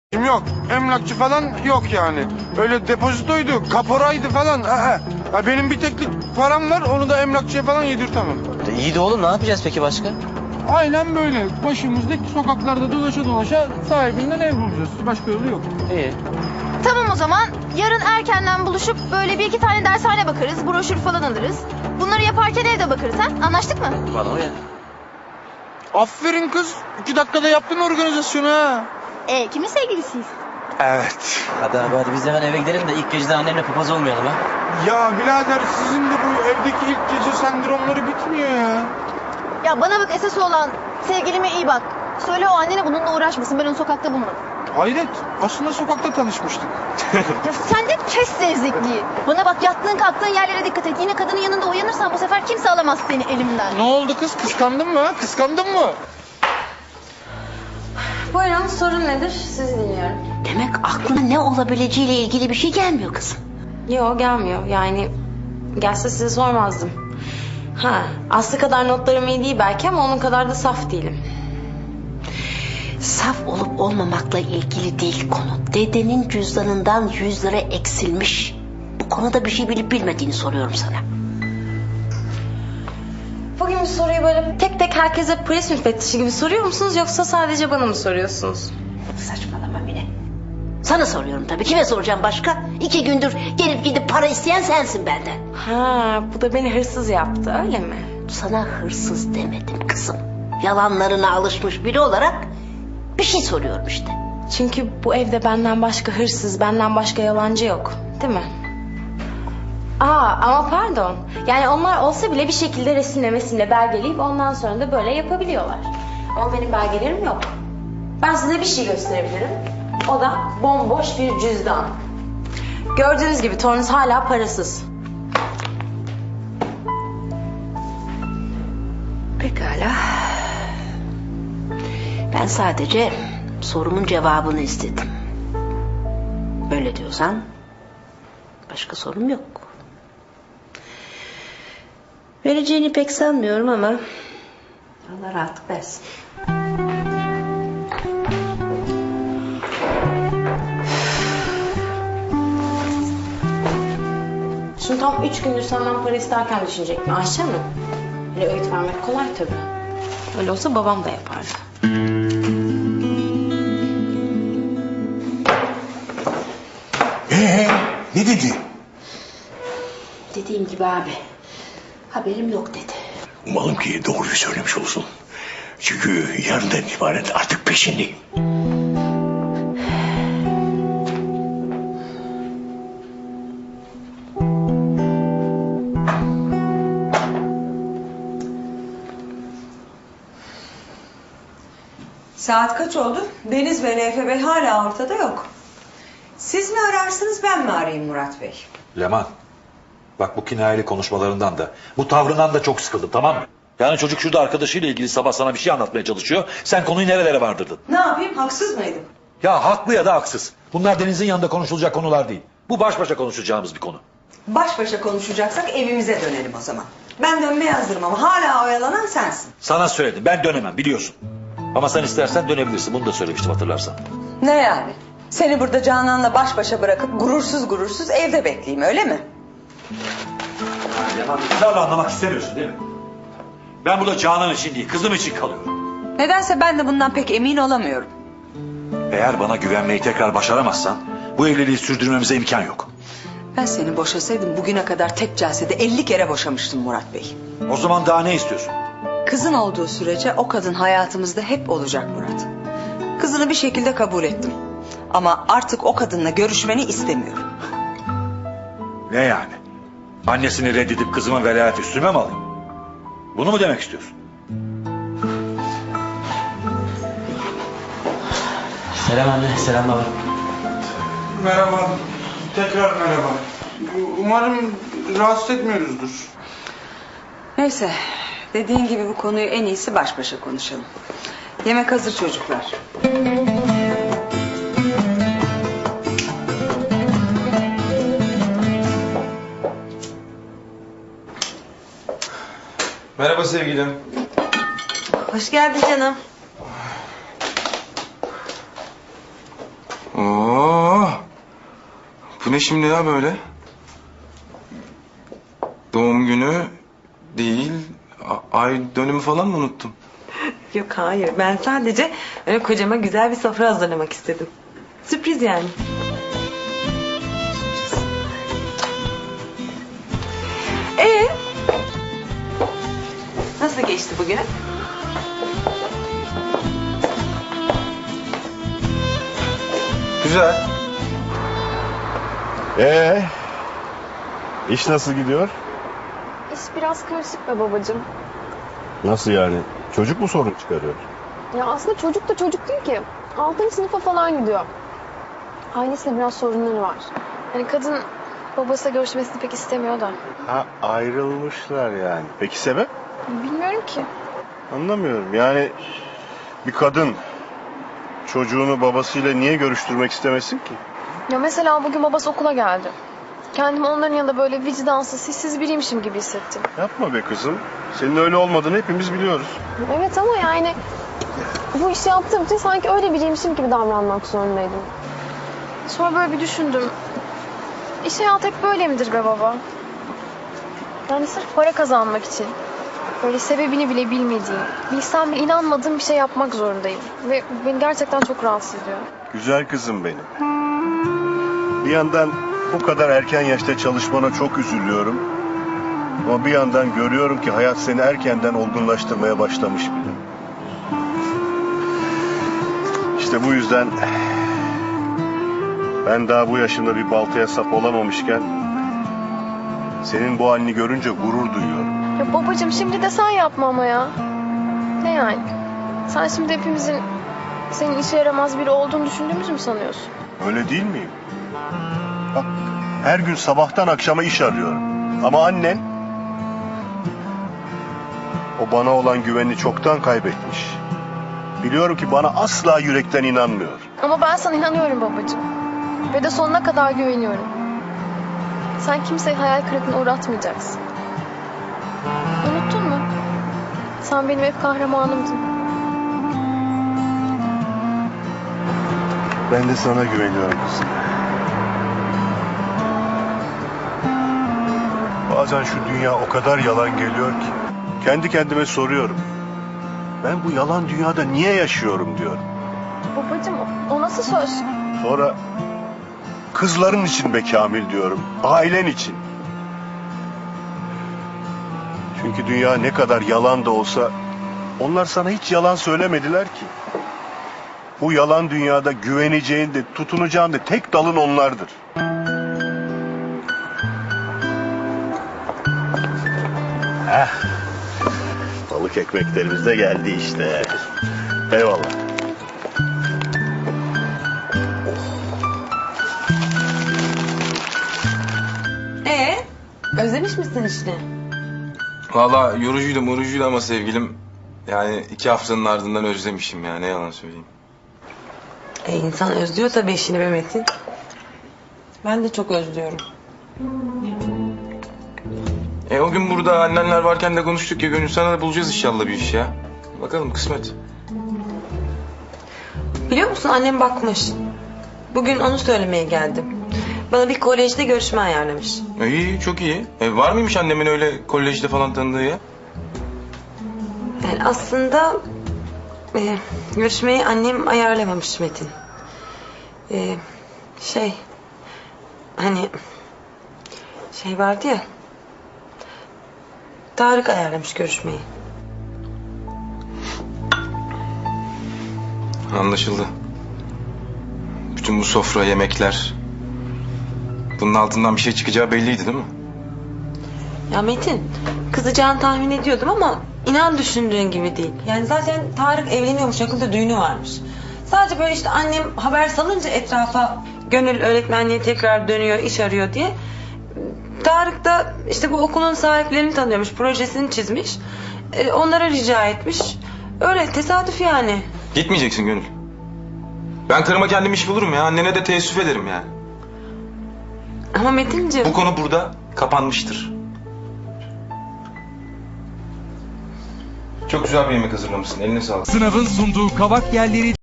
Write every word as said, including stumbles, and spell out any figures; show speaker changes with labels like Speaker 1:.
Speaker 1: Yok, emlakçı falan yok yani. Öyle depozitoydu, kaporaydı falan. Aha. Ya benim bir teklik param var, onu da emlakçıya falan yedirtemem.
Speaker 2: İyi de oğlum, ne yapacağız peki başka?
Speaker 1: Aynen böyle. Başımızdaki sokaklarda dolaşa dolaşa sahibinden ev bulacağız. Başka yolu yok.
Speaker 2: İyi.
Speaker 3: Tamam o zaman. Yarın erkenden buluşup böyle bir iki tane dershane bakarız. Broşür falan alırız. Bunları yaparken evde bakarız ha? Anlaştık mı?
Speaker 2: Bana o ya.
Speaker 1: Aferin kız. İki dakikada yaptın organizasyonu ha.
Speaker 3: E kimin sevgilisiyiz?
Speaker 1: Evet.
Speaker 2: Hadi abi hadi biz hemen eve gidelim de ilk geceden annemle papaz olmayalım ha.
Speaker 1: Ya birader sizin de bu evdeki ilk gece sendromları bitmiyor ya.
Speaker 3: Ya bana bak, esas olan sevgilime iyi bak. Söyle o annene bununla uğraşmasın. Ben onu sokakta bulmadım.
Speaker 1: Hayret. Aslında sokakta tanışmıştık.
Speaker 3: Ya sen de kes zevzekliği. Bana bak, yattığın kalktığın yerlere dikkat et. Yine kadının yanında uyanırsan bu sefer kimse alamaz seni elimden.
Speaker 1: Ne oldu kız? Kıskandın mı? ha? Kıskandın mı?
Speaker 4: Buyurun, sorun nedir? Sizi dinliyorum.
Speaker 5: Demek aklına ne olabileceğiyle ilgili bir şey gelmiyor kızım.
Speaker 4: Yok, gelmiyor. Yani gelse size sormazdım. Ha, Aslı kadar notlarım iyi değil belki ama onun kadar da saf değilim.
Speaker 5: Saf olup olmamakla ilgili değil konu. Dedenin cüzdanından yüz lira eksilmiş. Bu konuda bir şey bilip bilmediğini soruyorum sana.
Speaker 4: Bugün bu soruyu böyle tek tek herkese polis müfettişi gibi soruyor musunuz yoksa sadece bana mı soruyorsunuz?
Speaker 5: Saçmalama Mine. Sana soruyorum tabii. Kime soracağım başka? İki gündür gelip gidip para isteyen sensin benden.
Speaker 4: Ha, bu da beni hırsız yaptı, öyle mi?
Speaker 5: Sana hırsız demedim kızım. Yalanlarına alışmış biri olarak bir şey soruyorum işte.
Speaker 4: Çünkü bu evde benden başka hırsız, benden başka yalancı yok, değil mi? Aa, ama pardon. Yani onlar olsa bile bir şekilde resimle mesimle belgeleyip ondan sonra da böyle yapabiliyorlar. Ama benim belgelerim yok. Ben size bir şey gösterebilirim. O da bomboş bir cüzdan. Gördüğünüz gibi torunuz hala parasız.
Speaker 5: Pekala. Ben sadece sorumun cevabını istedim. Böyle diyorsan başka sorum yok. Vereceğini pek sanmıyorum ama Allah rahatlık versin.
Speaker 4: Şimdi tam üç gündür senden para isterken düşünecek mi Ayşe Hanım? Öyle öğüt vermek kolay tabii. Öyle olsa babam da yapardı.
Speaker 6: Ee, ne dedi?
Speaker 5: Dediğim gibi abi, haberim yok dedi.
Speaker 6: Umalım ki doğruyu söylemiş olsun. Çünkü yarından itibaren artık peşindeyim.
Speaker 7: Saat kaç oldu? Deniz ve Neyfe Bey hala ortada yok. Siz mi ararsınız, ben mi arayayım Murat Bey?
Speaker 8: Leman, bak bu kinayeli konuşmalarından da, bu tavrından da çok sıkıldım, tamam mı? Yani çocuk şurada arkadaşıyla ilgili sabah sana bir şey anlatmaya çalışıyor. Sen konuyu nerelere vardırdın?
Speaker 7: Ne yapayım, haksız mıydım?
Speaker 8: Ya haklı ya da haksız. Bunlar Deniz'in yanında konuşulacak konular değil. Bu baş başa konuşacağımız bir konu.
Speaker 7: Baş başa konuşacaksak evimize dönelim o zaman. Ben dönmeye hazırım ama hala oyalanan sensin.
Speaker 8: Sana söyledim, ben dönemem biliyorsun. Ama sen istersen dönebilirsin, bunu da söylemiştim hatırlarsan.
Speaker 7: Ne yani? Seni burada Canan'la baş başa bırakıp gurursuz gurursuz evde bekleyeyim, öyle mi?
Speaker 8: Leman, ısrarla anlamak istemiyorsun değil mi? Ben burada Canan için değil, kızım için kalıyorum.
Speaker 7: Nedense ben de bundan pek emin olamıyorum.
Speaker 8: Eğer bana güvenmeyi tekrar başaramazsan, bu evliliği sürdürmemize imkan yok.
Speaker 7: Ben seni boşasaydım bugüne kadar tek celsede elli kere boşamıştım Murat Bey.
Speaker 8: O zaman daha ne istiyorsun?
Speaker 7: Kızın olduğu sürece o kadın hayatımızda hep olacak Murat. Kızını bir şekilde kabul ettim. Ama artık o kadınla görüşmeni istemiyorum.
Speaker 8: Ne yani? Annesini reddedip kızımın velayeti üstüme mi alayım? Bunu mu demek istiyorsun?
Speaker 2: Selam anne, selam baba.
Speaker 1: Merhaba. Tekrar merhaba. Umarım rahatsız etmiyoruzdur.
Speaker 7: Neyse, dediğin gibi bu konuyu en iyisi baş başa konuşalım. Yemek hazır çocuklar.
Speaker 1: Merhaba sevgilim.
Speaker 7: Hoş geldin canım.
Speaker 1: Bu ne şimdi ya böyle? Doğum günü değil, a- ay dönümü falan mı unuttum?
Speaker 9: Yok hayır, ben sadece öyle kocama güzel bir sofra hazırlamak istedim. Sürpriz yani. Ee, nasıl geçti bugün?
Speaker 1: Güzel.
Speaker 10: Ee, iş nasıl gidiyor?
Speaker 11: İş biraz karışık be babacığım.
Speaker 10: Nasıl yani? Çocuk mu sorun çıkarıyor?
Speaker 11: Ya aslında çocuk da çocuk değil ki. Altıncı sınıfa falan gidiyor. Ailesiyle biraz sorunları var. Yani kadın babasıyla görüşmesini pek istemiyor da.
Speaker 10: Ha, ayrılmışlar yani. Peki sebep?
Speaker 11: Bilmiyorum ki.
Speaker 10: Anlamıyorum. Yani bir kadın çocuğunu babasıyla niye görüştürmek istemesin ki?
Speaker 11: Ya mesela bugün babası okula geldi. Kendimi onların yanında böyle vicdansız, hissiz biriymişim gibi hissettim.
Speaker 10: Yapma be kızım. Senin öyle olmadığını hepimiz biliyoruz.
Speaker 11: Evet ama yani bu işi yaptığım için sanki öyle biriymişim gibi davranmak zorundaydım. Sonra böyle bir düşündüm. İş hayatı hep böyle midir be baba? Yani sırf para kazanmak için. Böyle sebebini bile bilmediğim, bilsem bile inanmadığım bir şey yapmak zorundayım. Ve beni gerçekten çok rahatsız ediyor.
Speaker 10: Güzel kızım benim. Bir yandan bu kadar erken yaşta çalışmana çok üzülüyorum. Ama bir yandan görüyorum ki hayat seni erkenden olgunlaştırmaya başlamış bile. İşte bu yüzden ben daha bu yaşımda bir baltaya sap olamamışken senin bu halini görünce gurur duyuyorum.
Speaker 11: Ya babacığım şimdi de sen yapma ama ya. Ne yani? Sen şimdi hepimizin senin işe yaramaz biri olduğunu düşündüğümüzü mü sanıyorsun?
Speaker 10: Öyle değil miyim? Bak, her gün sabahtan akşama iş arıyorum. Ama annen o bana olan güvenini çoktan kaybetmiş. Biliyorum ki bana asla yürekten inanmıyor.
Speaker 11: Ama ben sana inanıyorum babacığım. Ve de sonuna kadar güveniyorum. Sen kimseyi hayal kırıklığına uğratmayacaksın. Unuttun mu? Sen benim hep kahramanımdın.
Speaker 10: Ben de sana güveniyorum kızım. Bazen şu dünya o kadar yalan geliyor ki kendi kendime soruyorum. Ben bu yalan dünyada niye yaşıyorum diyorum.
Speaker 11: Babacığım o, o nasıl söz?
Speaker 10: Sonra kızların için be Kamil diyorum. Ailen için. Çünkü dünya ne kadar yalan da olsa onlar sana hiç yalan söylemediler ki. Bu yalan dünyada güveneceğin de tutunacağın da tek dalın onlardır. Heh. Balık ekmeklerimiz de geldi işte. Eyvallah.
Speaker 9: Ee, özlemiş misin işini?
Speaker 1: Valla yorucuydu morucuydu ama sevgilim. Yani iki haftanın ardından özlemişim ya, ne yalan söyleyeyim.
Speaker 9: E insan özlüyor tabii işini be Metin. Ben de çok özlüyorum.
Speaker 1: E o gün burada annenler varken de konuştuk ya Gönül, sana da bulacağız inşallah bir iş ya. Bakalım kısmet.
Speaker 9: Biliyor musun annem bakmış. Bugün onu söylemeye geldim. Bana bir kolejde görüşme ayarlamış.
Speaker 1: E, iyi, çok iyi. E, var mıymış annemin öyle kolejde falan tanıdığı ya?
Speaker 9: Yani aslında e, görüşmeyi annem ayarlamamış Metin. E, şey hani şey vardı ya, Tarık ayarlamış görüşmeyi.
Speaker 1: Anlaşıldı. Bütün bu sofra, yemekler... Bunun altından bir şey çıkacağı belliydi değil mi?
Speaker 9: Ya Metin, kızacağını tahmin ediyordum ama inan düşündüğün gibi değil. Yani zaten Tarık evleniyormuş, yakında düğünü varmış. Sadece böyle işte annem haber salınca etrafa, Gönül öğretmenliğe tekrar dönüyor, iş arıyor diye. Tarık da işte bu okulun sahiplerini tanıyormuş, projesini çizmiş. Ee, onlara rica etmiş. Öyle tesadüf yani.
Speaker 1: Gitmeyeceksin Gönül. Ben karıma kendim iş bulurum ya. Annene de teessüf ederim yani.
Speaker 9: Ama Metinciğim...
Speaker 1: Bu konu burada kapanmıştır. Çok güzel bir yemek hazırlamışsın. Eline sağlık.
Speaker 12: Sınavın sunduğu Kavak Yerleri